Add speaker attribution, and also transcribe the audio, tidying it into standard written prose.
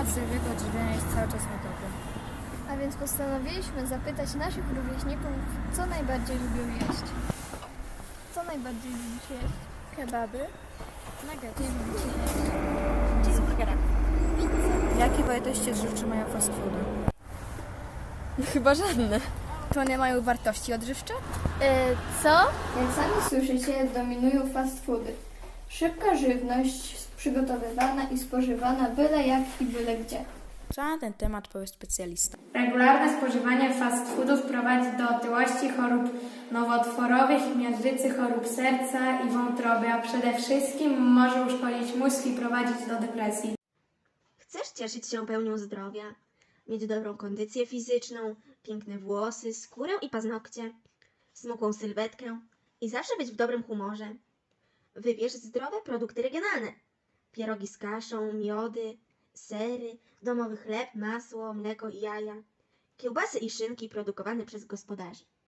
Speaker 1: Temat zdrowego odżywiania jest cały czas notowy.
Speaker 2: A więc postanowiliśmy zapytać naszych rówieśników, co najbardziej lubią jeść. Co najbardziej lubisz jeść?
Speaker 1: Kebaby?
Speaker 2: Nuggety.
Speaker 3: Cheeseburgera.
Speaker 1: Jakie wartości odżywcze mają fast foody?
Speaker 3: Chyba żadne.
Speaker 1: To one mają wartości odżywcze?
Speaker 2: Co? Jak sami słyszycie, dominują fast foody. Szybka żywność, przygotowywana i spożywana byle jak i byle gdzie.
Speaker 1: Co na ten temat powie specjalista?
Speaker 4: Regularne spożywanie fast foodów prowadzi do otyłości, chorób nowotworowych, miażdżycy, chorób serca i wątroby, a przede wszystkim może uszkodzić mózg i prowadzić do depresji.
Speaker 3: Chcesz cieszyć się pełnią zdrowia, mieć dobrą kondycję fizyczną, piękne włosy, skórę i paznokcie, smukłą sylwetkę i zawsze być w dobrym humorze. Wybierz zdrowe produkty regionalne. Pierogi z kaszą, miody, sery, domowy chleb, masło, mleko i jaja, kiełbasy i szynki produkowane przez gospodarzy.